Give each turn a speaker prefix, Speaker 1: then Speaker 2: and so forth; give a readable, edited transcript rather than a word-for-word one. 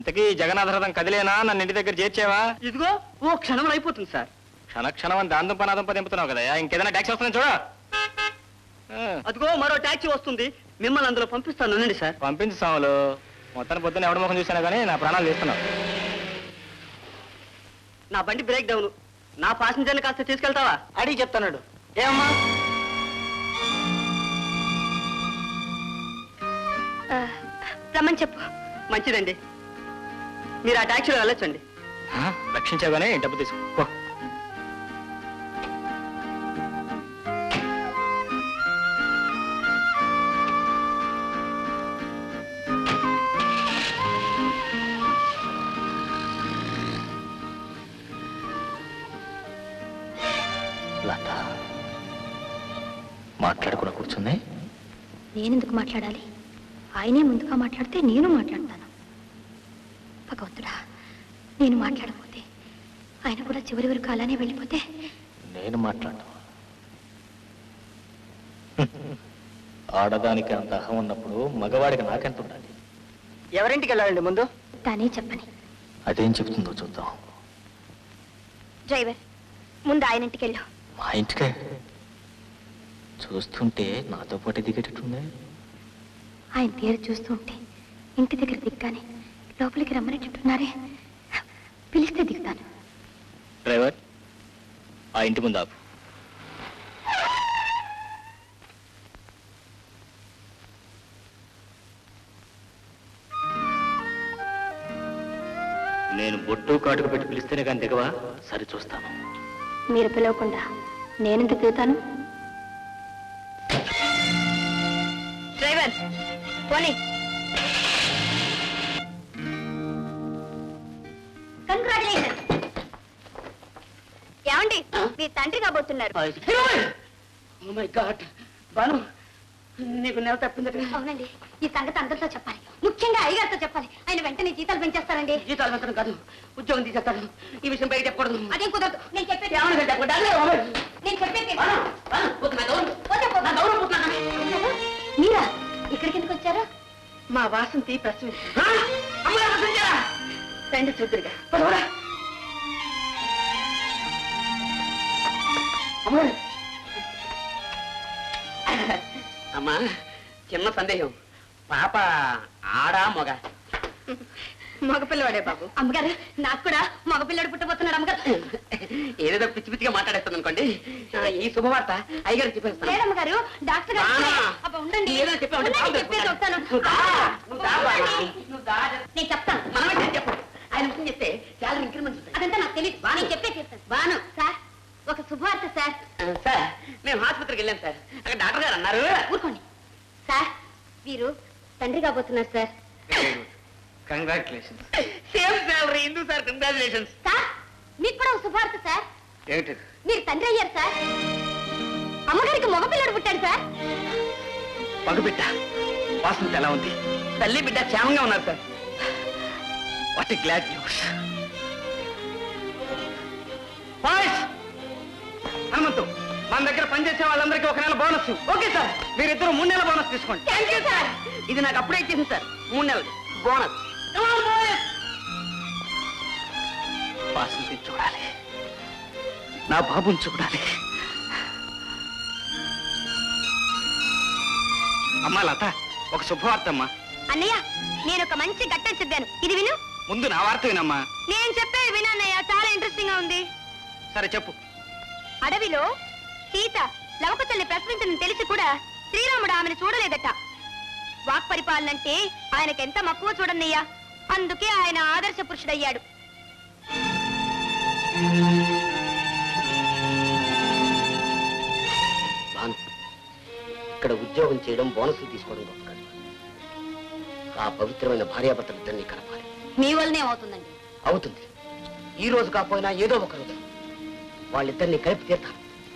Speaker 1: ఇంతకీ జగన్నాథరథం కదిలేనా? నన్ను ఇంటి దగ్గర చేర్చేవా?
Speaker 2: ఇదిగో ఓ క్షణంలో అయిపోతుంది సార్.
Speaker 1: క్షణక్షణం అని దాంతో దింపుతున్నావు కదా, ఇంకేదైనా ట్యాక్సీ వస్తుందని చూడ.
Speaker 2: అదిగో మరో టాక్సీ వస్తుంది, మిమ్మల్ని అందులో పంపిస్తాను అనండి సార్.
Speaker 1: పంపించు సాములు. మొత్తాన్ని పొద్దున్న ఎవరి ముఖం చూసాను కానీ నా ప్రాణాలు తీస్తున్నావు.
Speaker 2: నా బండి బ్రేక్ డౌన్, నా పాసింజర్ని కాస్త తీసుకెళ్తావా? అడిగి చెప్తాడు. ఏమమ్మా?
Speaker 3: రమ్మని చెప్పు.
Speaker 2: మంచిదండి, మీరు ఆ టాక్సీలో వెళ్ళొచ్చండి.
Speaker 1: రక్షించాగానే డబ్బు తీసుకో. మాట్లాడకుండా కూర్చుంది.
Speaker 3: నేనెందుకు మాట్లాడాలి? ఆయనే ముందుగా మాట్లాడితే నేను మాట్లాడతాను. భగవంతుడా, నేను మాట్లాడకపోతే ఆయన కూడా చివరి వరకు అలానే వెళ్ళిపోతే
Speaker 1: నేను మాట్లాడను. ఆడదానికి అంత అహం ఉన్నప్పుడు మగవాడికి నాకెంత ఉండాలి?
Speaker 2: ఎవరింటికి వెళ్ళాలండి ముందు?
Speaker 3: తానే చెప్పని.
Speaker 1: అదేం చెప్తుందో చూద్దాం.
Speaker 3: డ్రైవర్, ముందు ఆయన ఇంటికి వెళ్ళు.
Speaker 1: మా ఇంటికే? చూస్తుంటే నాతో పాటు దిగేటట్టుంది.
Speaker 3: ఆయన తీరు చూస్తూ ఉంటే ఇంటి దగ్గర దిగ్గానే లోపలికి రమ్మనేటట్టున్నారే. పిలిస్తే దిగుతాను.
Speaker 1: డ్రైవర్, ఆ ఇంటి ముందు ఆపు. నేను బొట్టు కాటుకు పెట్టి పిలిస్తేనే కానీ దిగవా? సరి చూస్తాను.
Speaker 3: మీరు పిలవకుండా నేనెందుకు దిగుతాను? డ్రైవర్, పోనీ. కంగ్రాచులేషన్. ఏమండి, మీ తండ్రి కాబోతున్నారు.
Speaker 2: నీకు నెల తప్పింది.
Speaker 3: అవునండి, ఈ సంగతి అందరితో చెప్పాలి, ముఖ్యంగా అయ్యగారితో చెప్పాలి. ఆయన వెంటనే జీతాలు పెంచేస్తారండి.
Speaker 2: జీతాలు పెంచడం కాదు, ఉద్యోగం తీసేస్తాడు. ఈ విషయం బయట చెప్పకూడదు.
Speaker 3: అదేం కుదరదు. నేను చెప్పేది మీరా ఇక్కడికి ఎందుకు వచ్చారు?
Speaker 2: మా వాసంతి ప్రశ్న రండి చూద్దరుగా. అమ్మా, చిన్న సందేహం. పాప ఆడా మొగ?
Speaker 3: మగపిల్లవాడే బాబు. అమ్మగారు, నాకు కూడా మగపిల్లడు పుట్టబోతున్నాడు. అమ్మగారు
Speaker 2: ఏదేదో పిచ్చి పిచ్చిగా మాట్లాడేస్తాను అనుకోండి. ఈ శుభవార్త అయ్యగారు చెప్పేస్తాను.
Speaker 3: లేదమ్మగారు, డాక్టర్ గారు ఉండండి. నేను చెప్తాను.
Speaker 2: మనమే చెప్పు. ఆయన ముఖ్యం చెప్తే చాలా ఇంక్రిమెంట్.
Speaker 3: అదంతా నాకు తెలియదు. నేను చెప్పే చేస్తాను. బాను సార్, ఒక శుభవార్త సార్.
Speaker 2: సార్, మేము ఆసుపత్రికి వెళ్ళాం సార్. అక్కడ డాక్టర్ గారు అన్నారు.
Speaker 3: ఊరుకోండి సార్, వీరు తండ్రి కాబోతున్నారు సార్.
Speaker 1: కంగ్రాచులేషన్స్.
Speaker 2: Same salary. ఎందుకు సార్ కంగ్రాచులేషన్స్?
Speaker 3: సార్, మీకు కూడా ఒక శుభవార్త సార్.
Speaker 1: ఏమిటి?
Speaker 3: మీరు తండ్రి అయ్యారు సార్. అమ్మగారికి మగపిల్లడు పుట్టాడు సార్.
Speaker 1: మగబిడ్డ? వాసంతి ఎలా ఉంది?
Speaker 2: తల్లి బిడ్డ క్షేమంగా ఉన్నారు sir.
Speaker 1: What a glad news. Hanumanthu, మన దగ్గర పనిచేసే వాళ్ళందరికీ 1 నెల బోనస్.
Speaker 2: Okay sir.
Speaker 1: మీరిద్దరు 3 నెలల బోనస్ తీసుకోండి.
Speaker 2: Thank you sir. ఇది నాకు అప్పుడే ఇచ్చేసింది సార్. 3 నెలలు బోనస్.
Speaker 1: వాసంతి చూడాలి, నా బాబుని చూడాలి. అమ్మా లత, ఒక శుభవార్త అమ్మా.
Speaker 3: అన్నయ్య, నేను ఒక మంచి ఘట్టం చెప్పాను, ఇది విను.
Speaker 1: ముందు నా వార్త వినమ్మా.
Speaker 3: నేను చెప్పేది వినన్నయ్య, చాలా ఇంట్రెస్టింగ్ గా ఉంది.
Speaker 1: సరే చెప్పు.
Speaker 3: అడవిలో సీత లవకుశల్ని ప్రశ్నించని తెలిసి కూడా శ్రీరాముడు ఆమెను చూడలేదట. వాక్ పరిపాలనంటే ఆయనకెంత మక్కువ చూడన్నయ్యా. అందుకే ఆయన ఆదర్శ పురుషుడయ్యాడు.
Speaker 2: ఇక్కడ ఉద్యోగం చేయడం, బోనస్లు తీసుకోవడం గొప్ప కాదు. ఆ పవిత్రమైన భార్యాభర్తలిద్దరినీ కలపాలి.
Speaker 3: మీ వల్లనే అవుతుందండి.
Speaker 2: అవుతుంది. ఈ రోజు కాకపోయినా ఏదో ఒక రోజు వాళ్ళిద్దరినీ కలిపి తీర్థాలి.